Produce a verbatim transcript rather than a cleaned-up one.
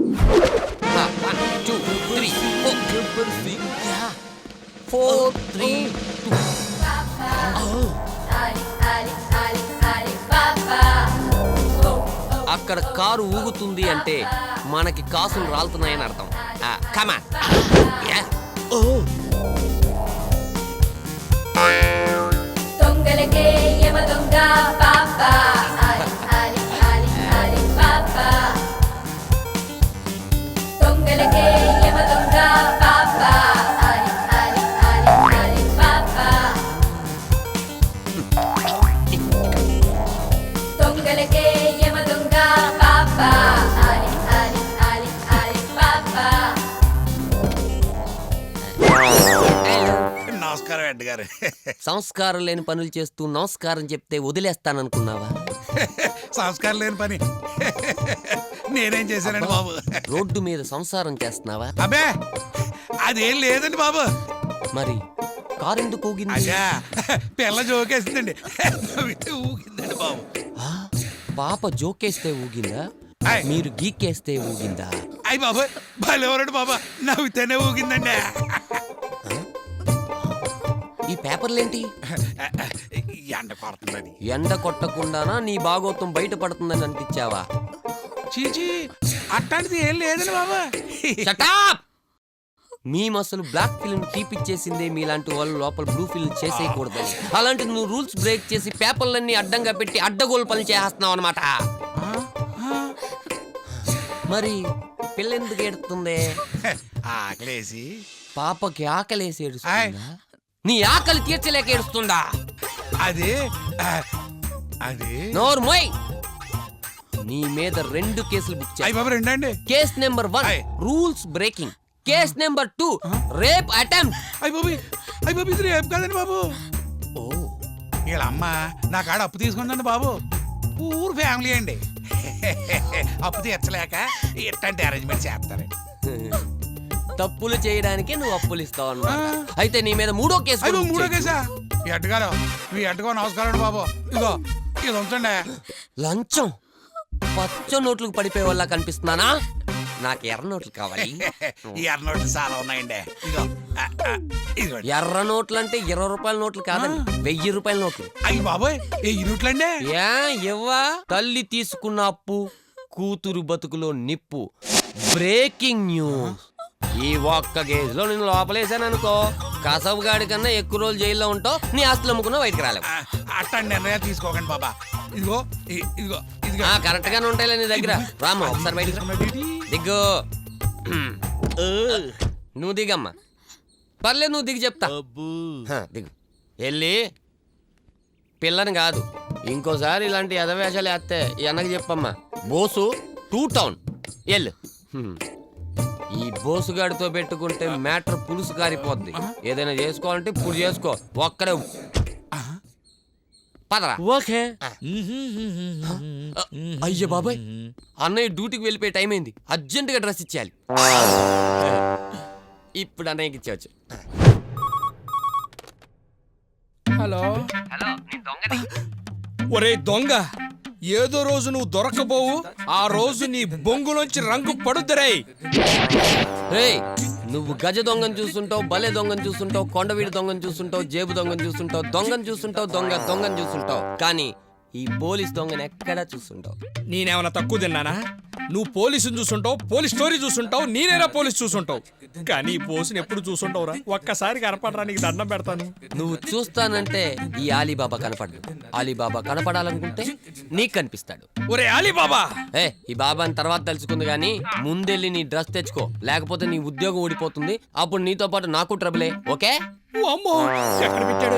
One two three four Gabbar Singh four three అక్కడ car ఊగుతుంది అంటే మనకి కాసులు రాలుతున్నాయని అర్థం. కమాన్. దొంగలకే యమ దొంగ పాపా ఆలి ఆలి ఆలి ఆలి పాపా దొంగలకే యమ దొంగ పాపా ఆలి ఆలి ఆలి ఆలి పాపా దొంగలకే యమ దొంగ పాపా ఆలి ఆలి ఆలి ఆలి పాపా. నమస్కారం రెడ్డి గారు. సంస్కారం లేని పనులు చేస్తూ నమస్కారం చెప్తే వదిలేస్తాననుకున్నావా? సంస్కారం లేని పని నేనేం చేశానండి బాబు? రోడ్డు మీద సంసారం చేస్తున్నావా? అబ్బే అదేం లేదండి బాబు. మరి కారు ఎందుకు ఊగింది? అయ్యా పిల్ల జోకేసిందండి, ఊగిందండి బాబు. ఆ, పాప జోకేస్తే ఊగిందా? ఆయ్. మీరు గీకేస్తే ఊగిందా? అయ్యి బాబు భలేవరండి బాబా, నవ్వుతేనే ఊగిందండి. ఈ పేపర్లేంటి? ఎండ కొడుతుందని. ఎండ కొట్టకుండానా నీ భాగోతం బయట పడుతుందని అనిపించావా? చీచి అట్లాంటిది ఏం లేదండి బాబా. Shut up! మీ మసలు బ్లాక్ ఫిల్మ్ తీపిచ్చేసిందే మీలాంటి వాళ్ళు లోపల బ్లూ ఫిల్మ్ చేసేయకూడదని. అలాంటి నువ్వు రూల్స్ బ్రేక్ చేసి పేపర్లన్నీ అడ్డంగా పెట్టి అడ్డగోలు పని చేస్తున్నావు అనమాట. మరి పిల్ల ఎందుకు ఏడుతుంది? ఆకలేసి. పాపకి ఆకలేసి ఏడుస్తుందా? నీ ఆకలి తీర్చలేక ఏడుస్తుందా? అది అది నోర్మోయ్, నీ మీద రెండు కేసులు బుక్ చేయి. అయ్యి బాబు రెండండి. కేస్ నెంబర్ వన్ ఆయ్. Rules breaking. Case number two rape attempt. అయ్యి బాబు అయ్యి బాబు ఇది రేపు కదండి బాబు. ఓ, వీళ్ళ అమ్మ నా కాడ అప్పు తీసుకుందండి బాబు. పూర్ ఫ్యామిలీ అండి. అప్పు తీర్చలేక ఇట్లాంటి అరేంజ్మెంట్ చేస్తారండి. తప్పులు చేయడానికి నువ్వు అప్పులు ఇస్తావు అన్నమాట. అయితే నీ మీద మూడో కేసు అయ్యి కూడా బాబు బుక్ మూడో చేయి. కేసా? ఈ అడ్డగారు మీ అడ్డగో నమస్కారం బాబు. ఇదిగో ఇది ఉంచండి. లంచం పచ్చ నోట్లకు పడిపోయే వాళ్ళ కనిపిస్తున్నానా? నాకు ఎర్ర నోట్లు కావాలి. ఈ ఎర్ర నోట్లు చాలా ఉన్నాయండి. ఇదిగో ఆ, ఆ, ఇదిగోండి. ఎర్ర నోట్లు అంటే ఇరవై రూపాయల నోట్లు కాదండి, వెయ్యి రూపాయల నోట్లు. అయ్యి బాబోయ్ ఏ ఈ నోట్లండి? ఏ ఇవ్వా? తల్లి తీసుకున్న అప్పు కూతురు బతుకులో నిప్పు. Breaking news. ఈ ఒక్క గేజ్ లో నేను లోపలేసాను అనుకో, కసబు గాడి కన్నా ఎక్కువ రోజులు జైల్లో ఉంటావు. నీ ఆస్తులు అమ్ముకున్నా బయటకు రాలేవు. ఆ, అట్లాంటి నిర్ణయాలు తీసుకోకండి బాబా. ఇదిగో ఇ- ఇదిగో ఇదిగో కరెక్ట్ గానే ఉంటాయిలే నీ దగ్గర. రామ్మా ఒకసారి బయటకు రా. దిగ్గు. ఊ, నువ్వు దిగమ్మా. పర్లేదు నువ్వు దిగి చెప్తా. హ, దిగు. వెళ్ళి పిల్లని కాదు ఇంకోసారి ఇలాంటి ఎదవేషాలు వేస్తే ఈ అన్నకి చెప్పమ్మా. బోసు టూ టౌన్ ఎల్లు. హ్మ్. ఈ బోసుగాడితో పెట్టుకుంటే మ్యాటర్ పులుసు కారిపోద్ది. ఏదైనా చేసుకోవాలంటే ఇప్పుడు చేసుకో. ఒక్కడే పదరా. ఓకే. అయ్యో బాబాయ్, అన్నయ్య డ్యూటీకి వెళ్ళిపోయే టైం అయింది. అర్జెంటుగా డ్రెస్ ఇచ్చేయాలి. ఇప్పుడు అన్నయ్యకి ఇచ్చేవచ్చు. హలో హలో, నీ దొంగది. ఒరే దొంగ, ఏదో రోజు నువ్వు దొరకపోవు, ఆ రోజు నీ బొంగులోంచి రంగు పడుద్దరే. రేయ్, నువ్వు గజ దొంగను చూస్తుంటావు, బలే దొంగను చూస్తుంటావు, కొండవీడి దొంగను చూస్తుంటావు, జేబు దొంగను చూస్తుంటావు, దొంగను చూస్తుంటావు, దొంగ దొంగను చూస్తుంటావు. కానీ ఈ పోలీస్ దొంగను ఎక్కడా చూస్తుంటావు? నేనేమన్నా తక్కువ తిన్నానా? నువ్వు పోలీసుని చూసుంటావు, పోలీస్ స్టోరీ చూసుంటావు, నేనేనా పోలీస్ చూసుంటావు. కానీ ఈ పోలీసుని ఎప్పుడు చూసుంటావురా? ఒక్కసారి కనపడరా, నీకు దండం పెడతాను. నువ్వు చూస్తానంటే ఈ ఆలీబాబా కనపడదు. ఆలీబాబా కనపడాలనుకుంటే నీకు కనిపిస్తాడు. ఒరే అలీబాబా, ఏ ఈ బాబాని తర్వాత తెలుసుకుంది గానీ ముందెళ్ళి నీ డ్రెస్ తెచ్చుకో, లేకపోతే నీ ఉద్యోగం ఊడిపోతుంది. అప్పుడు నీతో పాటు నాకు ట్రబులే. ఓకే? ఓ అమ్మో, ఎక్కడ పెట్టాడు?